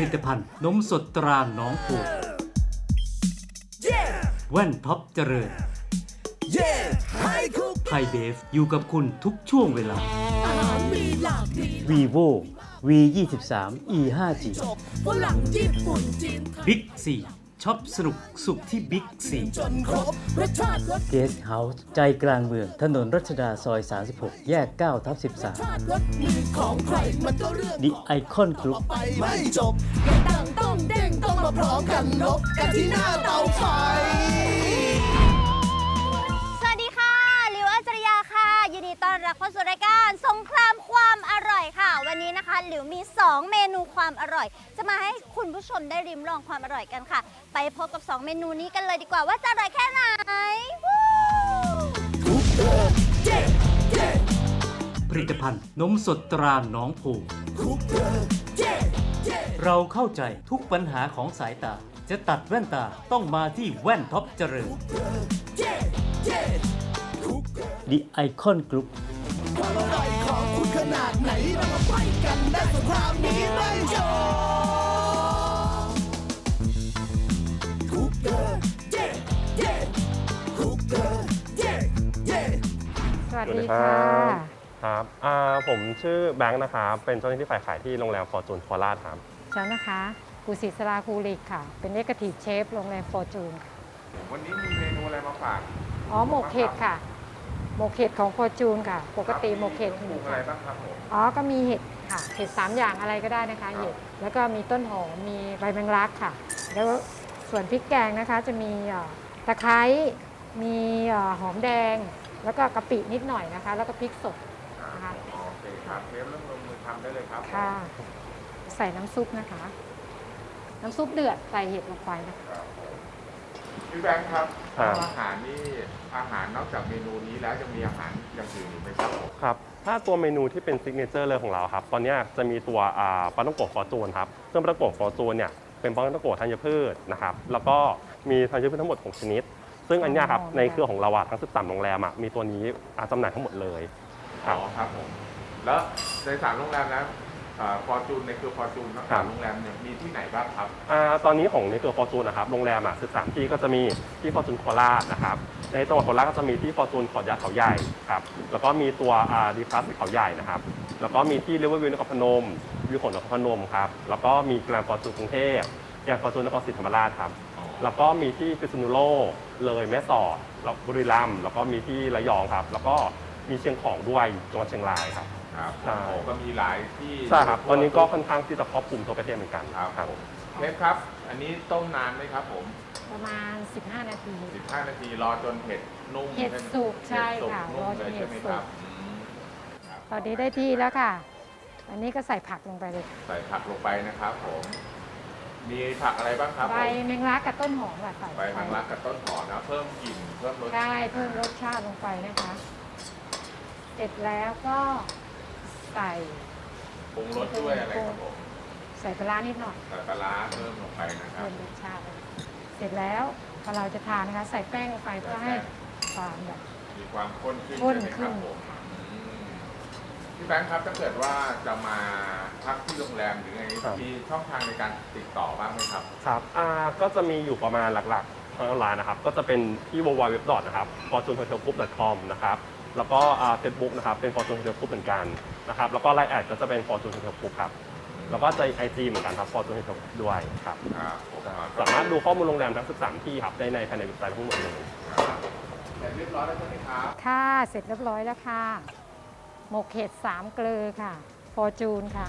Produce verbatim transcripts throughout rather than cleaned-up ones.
ตภัณฑ์นมสดตราหนองโพแว่นท็อปเจริญไทยเบฟอยู่กับคุณทุกช่วงเวลา vivo วี ยี่สิบสาม อี ห้าจี บิ๊กซีช็อปสนุกสุขที่บิ๊กซีเกสต์เฮาส์ใจกลางเมืองถนนรัชดาซอย สามสิบหก แยก เก้าทับสิบสาม The Icon Group ไม่จบต่างต้องเด้งต้องมาพร้อมกันลบกันที่หน้าเตาไฟสวัสดีค่ะหลิวอัจฉริยาค่ะยินดีต้อนรับเข้าสู่รายการสงครามความอร่อยค่ะวันนี้นะคะหลิวมีสองเมนูความอร่อยจะมาให้คุณผู้ชมได้ริมลองความอร่อยกันค่ะไปพบกับสองเมนูนี้กันเลยดีกว่าว่าจะอร่อยแค่ไหนผลิตภัณฑ์นมสดตราหนองโพเราเข้าใจทุกปัญหาของสายตาจะตัดแว่นตาต้องมาที่แว่นท็อปเจริญ The Icon Group ความอร่อยของคุณขนาดไหนเรามาไฟกันได้สงครามนี้ไม่จบคุกเกอร์เย่เย่คุกเกอร์เย่เย่สวัสดีค่ะครับอ่าผมชื่อแบงค์นะครับเป็นเจ้าหน้าที่ฝ่ายขายที่โรงแรมฟอร์จูนโคราชครับฉันนะคะกุศิศราคูริกค่ะเป็นเอ็กซ์ทีฟเชฟโรงแรมฟอร์จูนวันนี้มีเมนูอะไรมาฝากอ๋อหมกเห็ดค่ะหมกเห็ดของฟอร์จูนค่ะปกติหมกเห็ดมีอะไรบ้างครับผมอ๋อก็มีเห็ดค่ะเห็ดสามอย่างอะไรก็ได้นะคะเห็ดแล้วก็มีต้นหอมมีใบแมงลักค่ะแล้วส่วนพริกแกงนะคะจะมีตะไคร้มีหอมแดงแล้วก็กะปินิดหน่อยนะคะแล้วก็พริกสดนะคะโอเคครับเชฟเริ่มลงมือทำได้เลยครับค่ะใส่น้ำซุปนะคะน้ำซุปเดือดใส่เห็ดลงไปนะคะพี่แบงค์ครับอาหารนี่อาหารนอกจากเมนูนี้แล้วยังมีอาหารอย่างอื่นอีกไหมครับครับถ้าตัวเมนูที่เป็นซิกเนเจอร์เลยของเราครับตอนนี้จะมีตัวปลาต้องโกะฟอร์จูนครับซึ่งปลาต้องโกะฟอร์จูนเนี่ยเป็นปลาต้องโกะธัญพืชนะครับแล้วก็มีธัญพืชทั้งหมดหกชนิดซึ่งอันนี้ครับในเครือของเราทั้งสิบสามโรงแรมมีตัวนี้จำหน่ายทั้งหมดเลยอ๋อครับผมแล้วในสามโรงแรมแล้วฟอร์จูนในเครือฟอร์จูนทั้งสามโรงแรมเนี่ยมีที่ไหนบ้างครับตอนนี้ของในเครือฟอร์จูนนะครับโรงแรมอ่ะสิบสามที่ก็จะมีที่ฟอร์จูนโคราชนะครับในจังหวัดโคราชก็จะมีที่ฟอร์จูนขอดยาเขาใหญ่ครับแล้วก็มีตัวดีพลัสเขาใหญ่นะครับแล้วก็มีที่เรเวอร์วิวนครพนมวิวขนนครพนมครับแล้วก็มีแกรนด์ฟอร์จูนกรุงเทพแกรนด์ฟอร์จูนนครศรีธรรมราชครับแล้วก็มีที่พิษณุโลกเลยแม่สอดแล้วบุรีรัมย์แล้วก็มีที่ระยองครับแล้วก็มีเชียงของด้วยจังหวัดเชียงรายครับครับใช่ก็มีหลายที่ใช่ครับตอนนี้ก็ค่อนข้างที่จะครอบคลุมทั่วประเทศเหมือนกันครับเชฟครับอันนี้ต้มนานไหมครับผมประมาณสิบห้านาทีสิบห้านาทีรอจนเห็ดนุ่มเห็ดสุกใช่ค่ะรอจนเห็ดสุกตอนนี้ได้ที่แล้วค่ะอันนี้ก็ใส่ผักลงไปเลยใส่ผักลงไปนะครับผมมีผักอะไรบ้างครับใบแมงลักกับต้นหอมค่ะใส่ใบแมงลักกับต้นหอมนะเพิ่มกลิ่นเพิ่มรสใช่เพิ่มรสชาติลงไปนะคะเสร็จแล้วก็ใส่ปรุงรสด้วยอะไรครับผมใส่ปลานิดหน่อยใส่ปลาเพิ่มลงไปนะครับเพิ่มรสชาติเสร็จแล้วพอเราจะทานนะคะใส่แป้งลงไปเพื่อให้ความแบบมีความข้นขึ้นข้นขึ้นพี่แบงค์ครับถ้าเกิดว่าจะมาพักที่โรงแรมหรือไงมีช่องทางในการติดต่อบ้างไหมครับครับอ่าก็จะมีอยู่ประมาณหลักๆทางออนไลน์นะครับก็จะเป็นที่ ดับเบิลยู ดับเบิลยู ดับเบิลยู ดอท นะครับ ฟอร์จูนโฮเทลกรุ๊ป ดอท คอม นะครับแล้วก็เฟซบุ๊กนะครับเป็น Fortune Hotel Group เหมือนกันนะครับแล้วก็ไลน์แอดก็จะเป็น Fortune Hotel Group ครับแล้วก็จะไอจีเหมือนกันครับ Fortune Hotel Group ด้วยครับสามารถดูข้อมูลโรงแรมทั้งสิบสามที่ครับได้ในภายในเว็บไซต์ทั้งหมดเลยเสร็จเรียบร้อยแล้วใช่ไหมครับค่ะเสร็จเรียบร้อยแล้วค่ะหมกเห็ดสามเกลือค่ะ Fortune ค่ะ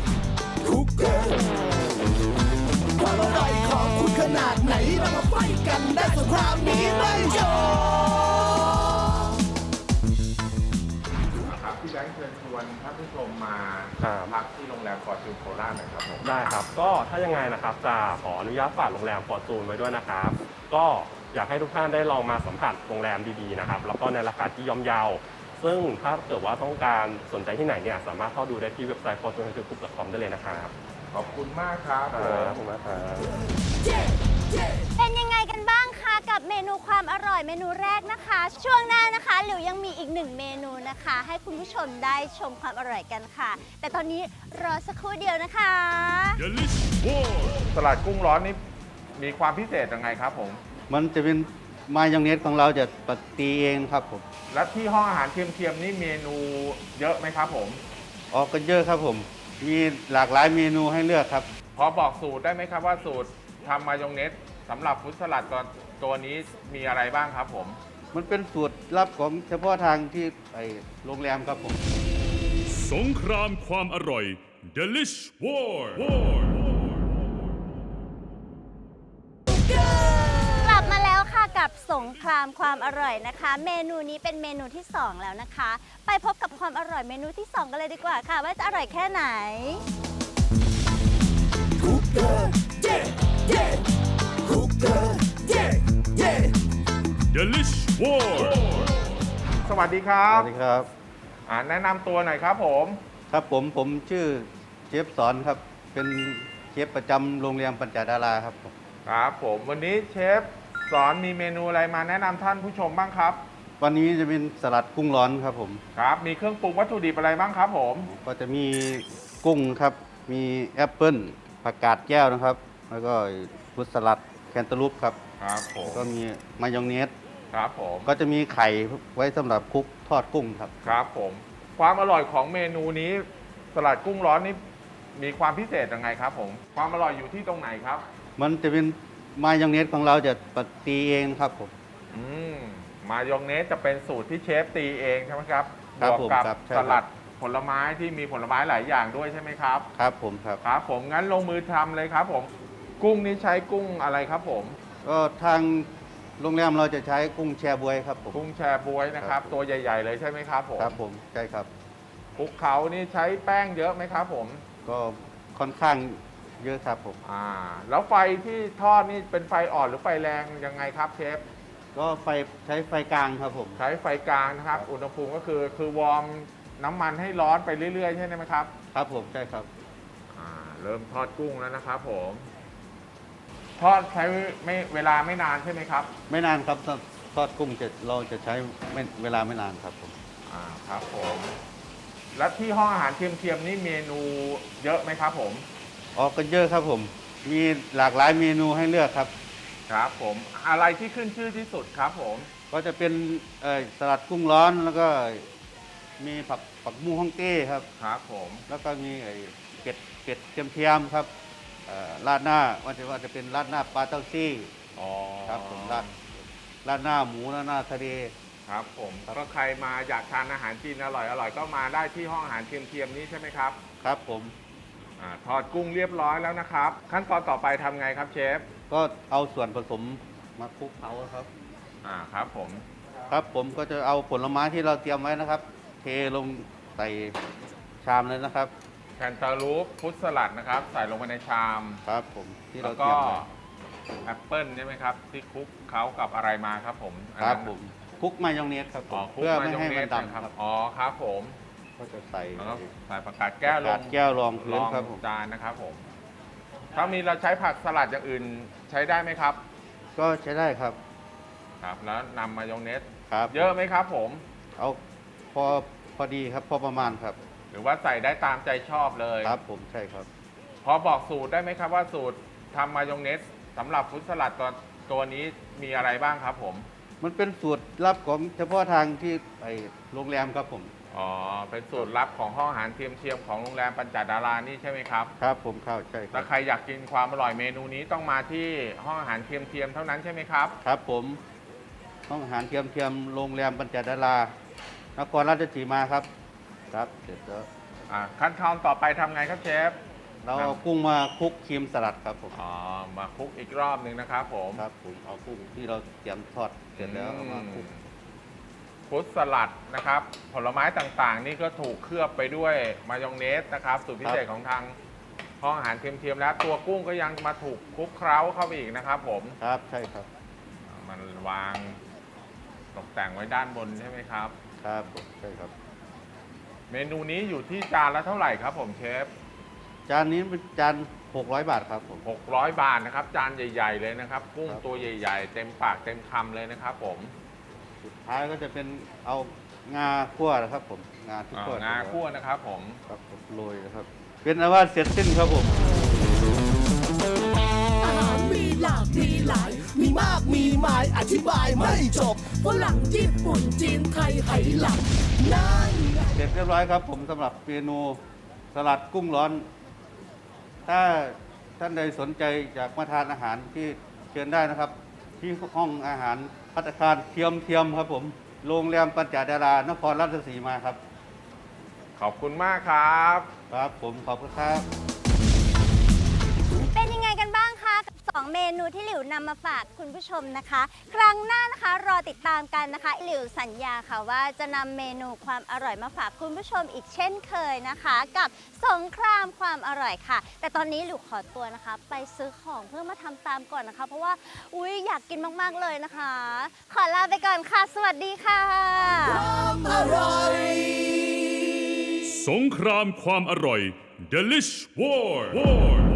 ความอร่อยของคุณขนาดไหนเรามาไฟกันได้สงครามนี้ไม่จบพี่แบงค์เชิญชวนท่านผู้ชมมาพักที่โรงแรมฟอร์จูนโคราชหน่อยครับผมได้ครับก็ถ้ายังไงนะครับจะขออนุญาตฝากโรงแรมฟอร์จูนไว้ด้วยนะครับก็อยากให้ทุกท่านได้ลองมาสัมผัสโรงแรมดีๆนะครับแล้วก็ในราคาที่ย่อมเยาซึ่งถ้าเกิดว่าต้องการสนใจที่ไหนเนี่ยสามารถเข้าดูได้ที่เว็บไซต์ ฟอร์จูนโฮเทลกรุ๊ป ดอท คอม ได้เลยนะครับขอบคุณมากครับขอบคุณมากครับเป็นยังไงกันบ้างคะกับกับเมนูความอร่อยเมนูแรกนะคะ ช่วงหน้านะคะหลิวยังมีอีกหนึ่งเมนูนะคะ ให้คุณผู้ชมได้ชมความอร่อยกันค่ะ แต่ตอนนี้รอสักครู่เดียวนะคะสลัดกุ้งร้อนนี่มีความพิเศษยังไงครับผมมันจะเป็นมายองเนสของเราจะปฏิเองครับผมและที่ห้องอาหารเทียมๆนี่เมนูเยอะไหมครับผมออกกันเยอะครับผม มีหลากหลายเมนูให้เลือกครับพอบอกสูตรได้ไหมครับว่าสูตรทำมายองเนสสำหรับฟรุตสลัดตัวตัวนี้มีอะไรบ้างครับผมมันเป็นสูตรลับของเฉพาะทางที่ไอโรงแรมครับผมสงครามความอร่อย Delish War War กลับมาแล้วค่ะกับสงครามความอร่อยนะคะ เมนูนี้เป็นเมนูที่สองแล้วนะคะ ไปพบกับความอร่อยเมนูที่สองกันเลยดีกว่าค่ะ ว่าจะอร่อยแค่ไหน Cooker, yeah, yeah. Cooker, yeah, yeah. Delish War สวัสดีครัสบวัสดีครับอ่าแนะนำตัวหน่อยครับผมครับผมผมชื่อเชฟสอนครับ เป็นเชฟประจำโรงแรมปัญจดาราครับผมครับผมวันนี้เชฟสอนมีเมนูอะไรมาแนะนำท่านผู้ชมบ้างครับวันนี้จะเป็นสลัดกุ้งร้อนครับผมครับ มีเครื่องปรุงวัตถุดิบอะไรบ้างครับผมก็จะมีกุ้งครับ มีแอปเปิ้ลผักกาดแก้วนะครับ แล้วก็ฟรุตสลัดแคนตาลูปครับครับผมก็มีมายองเนสครับผมก็จะมีไข่ไว้สำหรับคลุกทอดกุ้งครับครับผม ความอร่อยของเมนูนี้สลัดกุ้งร้อนนี่มีความพิเศษยังไงครับผม ความอร่อยอยู่ที่ตรงไหนครับมันจะเป็นมายองเนสของเราจะปฏิเองครับผมอืมมายองเนสจะเป็นสูตรที่เชฟตีเองใช่ไหมครับครับวกกัผมครับใช่คสรับลัดผลไม้ที่มีผลไม้หลายอย่างด้วยใช่ไหมครับครับผมครับครับผมงั้นลงมือทำเลยครับผม กุ้งนี้ใช้กุ้งอะไรครับผมก็ทางโรงแรมเราจะใช้กุ้งแชบวยครับผมกุ้งแชร์บวยนะครับ ตัวใหญ่ ๆ เลยใช่ไหมครับผมครับผมใช่ครับคลุกเขานี่ใช้แป้งเยอะไหมครับผมก็ค่อนข้างเยอะครับผมอ่า แล้วไฟที่ทอดนี่เป็นไฟอ่อนหรือไฟแรงยังไงครับเชฟก็ไฟใช้ไฟกลางครับผมใช้ไฟกลางนะครับ อุณหภูมิก็คือคือวอร์มน้ำมันให้ร้อนไปเรื่อยๆใช่ไหมครับครับผมใช่ครับอ่า เริ่มทอดกุ้งแล้วนะครับผม ทอดใช้ไม่เวลาไม่นานใช่ไหมครับไม่นานครับทอดทอดกุ้งจะเราจะใช้ไม่เวลาไม่นานครับผมอ่า ครับผม แล้วที่ห้องอาหารเทียมๆนี่เมนูเยอะไหมครับผมออกกันเยอะครับผม มีหลากหลายเมนูให้เลือกครับครับผม อะไรที่ขึ้นชื่อที่สุดครับผมก็จะเป็นเอ่อสลัดกุ้งร้อนแล้วก็มีผักผักบุ้งฮ่องเต้ครับครับผมแล้วก็มีไอ้เป็ดเป็ดเทียมๆครับเอ่อราดหน้าว่าจะว่าจะเป็นราดหน้าปลาเต้าซี่อ๋อครับผมราดราดหน้าหมูราดหน้าทะเลครับผมก็ใครมาอยากทานอาหารจีนอร่อยอร่อยก็มาได้ที่ห้องอาหารเทียมๆนี้ใช่ไหมครับครับผมอาทอดกุ้งเรียบร้อยแล้วนะครับ ขั้นตอนต่อไปทำไงครับเชฟก็เอาส่วนผสมมาคลุกเคล้าครับอ่าครับผมครับผมก็จะเอาผลไม้ที่เราเตรียมไว้นะครับ เทลงใส่ชามเลยนะครับแคนตาลูปฟรุตสลัดนะครับ ใส่ลงไปในชามครับผมที่แล้เราวเตรีก็ยมไว้แอปเปิลใช่ไหมครับ ที่คลุกเขากับอะไรมาครับผมครับอันนั้นผมคลุกมายองเนสครับผอ๋อมคลุกเพื่อมาไม่ยองให้เนมันสดำนะคครัรับบ อ๋อครับผมก็จะใส่แล้วก็ใส่ผักกาดแก้วลกาง ดแก้วรองพื้รนองครับผมจานนะครับผม ถ้ามีเราใช้ผักสลัดอย่างอื่นใช้ได้ไหมครับก็ใช้ได้ครับครับ แล้วนำมายองเนสครับเยอะไหมครับผมเอาพอพอดีครับพอประมาณครับหรือว่าใส่ได้ตามใจชอบเลยครับผมใช่ครับพอบอกสูตรได้ไหมครับว่าสูตรทำมายองเนสสำหรับฟรุตสลัดตัวตัวนี้มีอะไรบ้างครับผมมันเป็นสูตรลับของเฉพาะทางที่ไอโรงแรมครับผมอ๋อ เป็นสูตรลับของห้องอาหารเทียมๆของโรงแรมปัญจดารานี่ใช่ไหมครับครับผมเข้าใช่คถ้ารับใครอยากกินความอร่อยเมนูนี้ต้องมาที่ห้องอาหารเทียมๆเท่านั้นใช่ไหมครับครับผมห้องอาหารเทียมเทียมโรงแรมปัญจดารานครราชสีมาครับ ครับเสร็จแล้วอ่าขั้นตอนต่อไปทำไงครับเชฟเราเอากุ้งมาคลุกครีมสลัดครับผมอ๋อ มาคลุกอีกรอบหนึ่งนะครับผมครับผมเอากุ้งที่เราเตรียมทอดเสร็จแล้วเอามาคลุกฟรุตสลัดนะครับ ผลไม้ต่างๆ นี่ก็ถูกเคลือบไปด้วยมายองเนสนะครับสูตรพิเศษของทางห้องอาหารเทียมๆแล้วตัวกุ้งก็ยังมาถูกคลุกเคล้าเข้าไปอีกนะครับผมครับใช่ครับมันวางตกแต่งไว้ด้านบนใช่ไหมครับครับผมใช่ครับเมนูนี้อยู่ที่จานละเท่าไหร่ครับผมเชฟจานนี้เป็นจานหกร้อยบาทครับผมหกร้อยบาทนะครับ จานใหญ่ ๆ เลยนะครับ กุ้งครับตัวใหญ่ ๆ เต็มปากเต็มคำเลยนะครับผมสุดท้ายก็จะเป็นเอางาคั่วนะครับผมงาที่อ่าคั่วงาคั่วนะครับผมครับผมโรยนะครับ เป็นอาว่าเสร็จสิ้นครับผมอาหารมีหลากมีหลาย มีมากมีหมายอธิบายไม่จบฝรั่งญี่ปุ่นจีนไทยไหหลังนั่นไงเสร็จเรียบร้อยครับผมสำหรับเมนูสลัดกุ้งร้อน ถ้าท่านใดสนใจอยากมาทานอาหารที่เชิญได้นะครับ ที่ห้องอาหารภัตตาคารเทียมเทียมครับผมโรงแรมปัญจดารานครราชสีมาครับขอบคุณมากครับครับผมขอบคุณครับเป็นยังไงกันบ้างคะกับสองเมนูที่หลิวนำมาฝากคุณผู้ชมนะคะ ครั้งหน้านะคะรอติดตามกันนะคะหลิวสัญญาค่ะว่าจะนำเมนูความอร่อยมาฝากคุณผู้ชมอีกเช่นเคยนะคะ กับสงครามความอร่อยค่ะ แต่ตอนนี้หลิวขอตัวนะคะ ไปซื้อของเพื่อมาทำตามก่อนนะคะ เพราะว่าอุ๊ยอยากกินมากๆเลยนะคะ ขอลาไปก่อนค่ะ สวัสดีค่ะความอร่อยสงครามความอร่อย Delish War War